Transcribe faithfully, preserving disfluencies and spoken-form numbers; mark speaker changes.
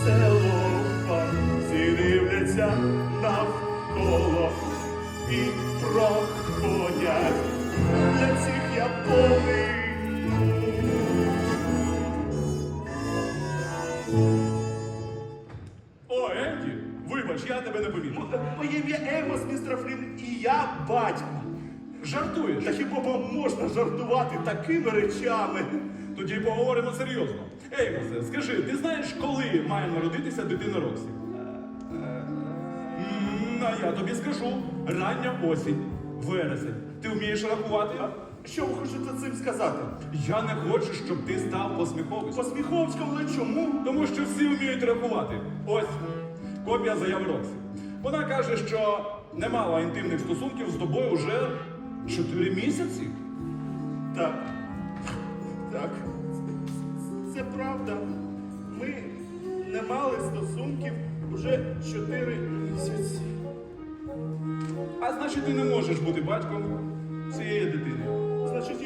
Speaker 1: село, всі дивляться навколо і проходять. Для цих я повинен.
Speaker 2: О, Енді, вибач, я тебе не помітив.
Speaker 1: Моє ім'я Емос, містер Флін, і я батько.
Speaker 2: Жартуєш?
Speaker 1: Та хіба вам можна жартувати такими речами?
Speaker 2: Тоді поговоримо серйозно. Еймосе, скажи, ти знаєш, коли має народитися дитина Роксі? М, А я тобі скажу. Рання осінь, вересень. Ти вмієш рахувати?
Speaker 1: Що ви хочете цим сказати?
Speaker 2: Я не хочу, щоб ти став посміховиськом.
Speaker 1: Посміховському, але чому?
Speaker 2: Тому що всі вміють рахувати. Ось копія заяви Роксі. Вона каже, що не мала інтимних стосунків з тобою вже чотири місяці.
Speaker 1: Так. Так. Це правда. Ми не мали стосунків уже чотири місяці.
Speaker 2: А значить, ти не можеш бути батьком цієї дитини.
Speaker 1: Значить,